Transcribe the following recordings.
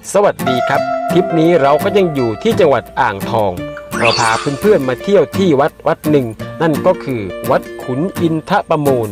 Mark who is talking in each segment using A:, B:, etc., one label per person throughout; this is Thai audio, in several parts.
A: สวัสดีครับทริปนี้เราก็ยังอยู่ที่จังหวัดอ่างทองเราพาเพื่อนๆมาเที่ยวที่วัดหนึ่งนั่นก็คือวัดขุนอินทประมูล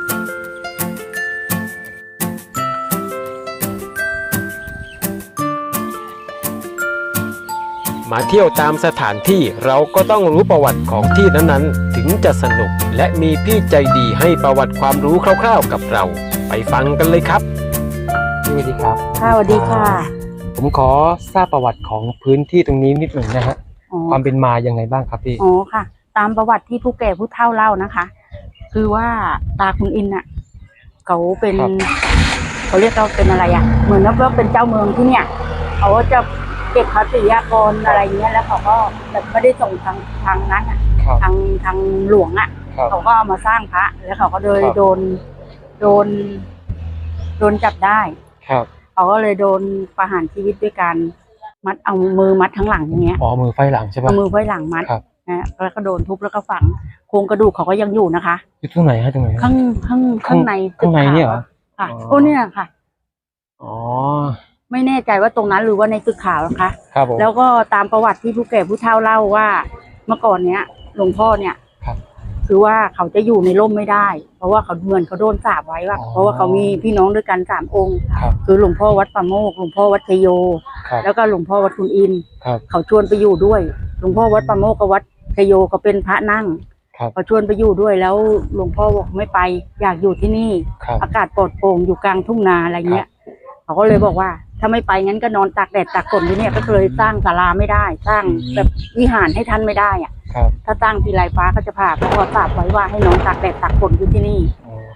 A: มาเที่ยวตามสถานที่เราก็ต้องรู้ประวัติของที่นั้นๆถึงจะสนุกและมีพี่ใจดีให้ประวัติความรู้คร่าวๆกับเราไปฟังกันเลยครับสวัสดีครับ
B: ค่ะสวัสดีค่ะ
A: ผมขอทราบประวัติของพื้นที่ตรงนี้นิดหนึ่งนะฮะความเป็นมายังไงบ้างครับพี่
B: อ๋อค่ะตามประวัติที่ผู้แก่ผู้เฒ่าเล่านะคะคือว่าตาคุณอินน่ะเขาเป็นเขาเรียกเราเป็นอะไรอ่ะเหมือนว่าเป็นเจ้าเมืองที่เนี่ยเขาจะเก็บภาษีอากรอะไรเงี้ยแล้วเขาก็แบบไม่ได้ส่งทางนั้นอ่ะทางหลวงอ่ะเขาก็เอามาสร้างพระแล้วเขาก็เลยโดนจับได้เขาก็เลยโดนประหารชีวิตด้วยการมัดเอามือมัดทั้งหลังอย่างเงี้ย
A: มือไฟหลังใช่ปะ
B: เอามือไฟหลังมัดนะแล้วก็โดนทุบแล้วก็ฝังโครงกระดูกเขาก็ยังอยู่นะคะ
A: อยู่ตรงไหนฮะตรงไหน
B: ข้างใน
A: เนี่ยเหรอ
B: ค่ะโอ้เนี่ยค่ะ
A: อ๋อ
B: ไม่แน่ใจว่าตรงนั้นหรือว่าในตึกขาวนะคะ
A: ครับผม
B: แล้วก็ตามประวัติที่ผู้แก่ผู้เฒ่าเล่าว่าเมื่อก่อนเนี้ยหลวงพ่อเนี่ยคือว่าเขาจะอยู่ในร่มไม่ได้เพราะว่าเขาเหมือนเขาโดนสาปไว้ว่าเพราะว่าเขามีพี่น้องด้วยกัน3 องค์คือหลวงพ่อวัดป่าโมกหลวงพ่อวัดชโยแล้วก็หลวงพ่อวัดขุนอินเขาชวนไปอยู่ด้วยหลวงพ่อวัดป่าโมกกับวัดชโยก็เป็นพระนั่งเขาชวนไปอยู่ด้วยแล้วหลวงพ่อบอกไม่ไปอยากอยู่ที่นี่อากาศปลอดโปร่งอยู่กลางทุ่งนาอะไรเงี้ยเขาก็เลยบอกว่าถ้าไม่ไปงั้นก็นอนตากแดดตากฝนที่เนี่ยก็เลยสร้างศาลาไม่ได้สร้างแบบวิหารให้ท่านไม่ได้อ่ะถ้าสร้างทีไรฟ้าก็จะผ่าเพราะว่าสาบไว้ว่าให้นอนตากแดดตากฝนอยู่ที่นี่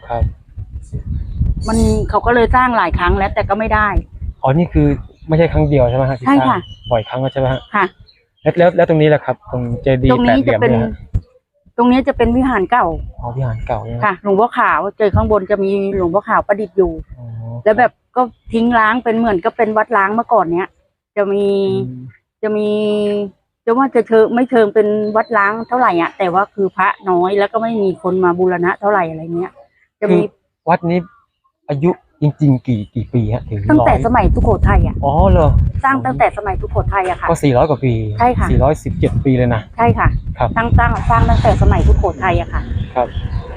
B: มันเขาก็เลยสร้างหลายครั้งแล้วแต่ก็ไม่ได้
A: นี่คือไม่ใช่ครั้งเดียวใช่ไหมฮะ
B: ใช่ค่ะ
A: บ่อยครั้งแล้วใช่ไหมฮะ
B: ค่ะ
A: แล้วตรงนี้แหละครับตรงเจดีย์แปดเหลี่ยมเนี่ย
B: ตรงนี้จะเป็นวิหารเก่า
A: วิหารเก่า
B: ค่ะหลวงพ่อขาวเจอข้างบนจะมีหลวงพ่อขาวประดิษฐ์อยู่แล้วแบบก็ทิ้งร้างเป็นเหมือนก็เป็นวัดร้างเมื่อก่อนเนี้ยจะว่าจะไม่เชิงเป็นวัดร้างเท่าไหร่อ่ะแต่ว่าคือพระน้อยแล้วก็ไม่มีคนมาบูรณะเท่าไหร่อะไรเงี้ยจะมี
A: วัดนี้อายุจริงๆกี่ปีฮะถึง
B: ตั้งแต่สมัยสุโขทัยอ่ะ
A: เหรอ
B: สร้างตั้งแต่สมัยสุโขทัยอะค่ะ
A: ก็400 กว่าปี
B: ใช่ค่ะ
A: 417 ปีเลยนะ
B: ใช่ค่ะสร้างตั้งแต่สมัยสุโขทัยอะค่ะ
A: ครับ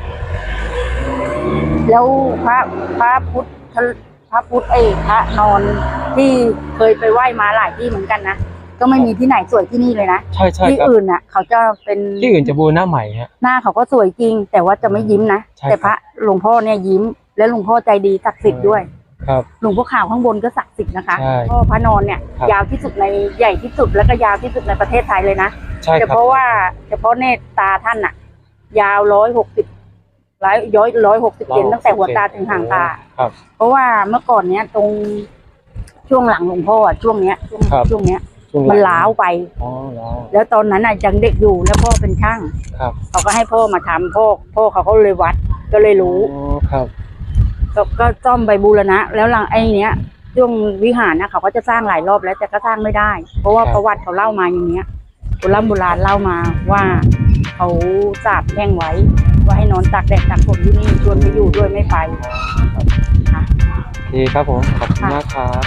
B: แล้วพระพุทธพระนอนที่เคยไปไหว้มาหลายที่เหมือนกันนะก็ไม่มีที่ไหนสวยที่นี่เลยนะ
A: ใช่
B: ที่อื่นน่ะเขาจะเป็น
A: ที่อื่นจะบูรณะใหม่ฮะ
B: หน้าเขาก็สวยจริงแต่ว่าจะไม่ยิ้มนะแต่พระหลวงพ่อเนี่ยยิ้มและหลวงพ่อใจดีศักดิ์สิทธิ์ด้วยหลวงพ่อขาวข้างบนก็ศักดิ์สิทธิ์นะคะพ่อพระนอนเนี่ยยาวที่สุดในใหญ่ที่สุดแล้วก็ยาวที่สุดในประเทศไทยเลยนะเฉพาะเนตรตาท่านน่ะยาว160เซนตั้งแต่หัวตาถึงหางตาเพราะว่าเมื่อก่อนเนี้ยตรงช่วงหลังหลวงพ่อช่วงเนี้ยมันล้าวไปแล้วตอนนั้นน่ะยังเด็กอยู่แล้วพ่อเป็นช่างเขาก็ให้พ่อมาทำพ่อเขาก็เลยวัดก็เลยรู้ก็ซ่อมไปบูรณะแล้วหลังไอ้เนี้ยช่วงวิหารนะเขาก็จะสร้างหลายรอบแล้วแต่ก็สร้างไม่ได้เพราะว่าประวัติเขาเล่ามาอย่างเนี้ยโบราณเล่ามาว่าเขาสาปแช่งไว้ว่าให้นอนตากแดดตากฝนที่นี่ชวนไปอยู่ด้วยไม่ไปค่ะ
A: โอเคครับผมขอบคุณมากครับ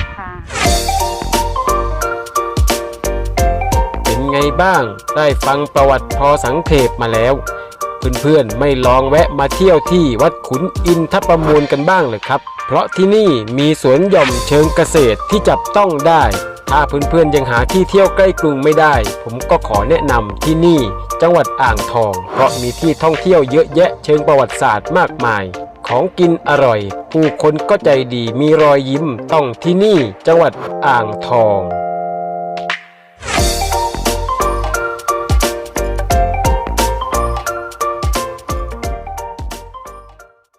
A: เป็นไงบ้างได้ฟังประวัติพอสังเขปมาแล้วเพื่อนๆไม่ลองแวะมาเที่ยวที่วัดขุนอินทประมูลกันบ้างเลยครับเพราะที่นี่มีสวนหย่อมเชิงเกษตรที่จับต้องได้ถ้าเพื่อนๆยังหาที่เที่ยวใกล้กรุงไม่ได้ผมก็ขอแนะนำที่นี่จังหวัดอ่างทองเพราะมีที่ท่องเที่ยวเยอะแยะเชิงประวัติศาสตร์มากมายของกินอร่อยผู้คนก็ใจดีมีรอยยิ้มต้องที่นี่จังหวัดอ่างทอง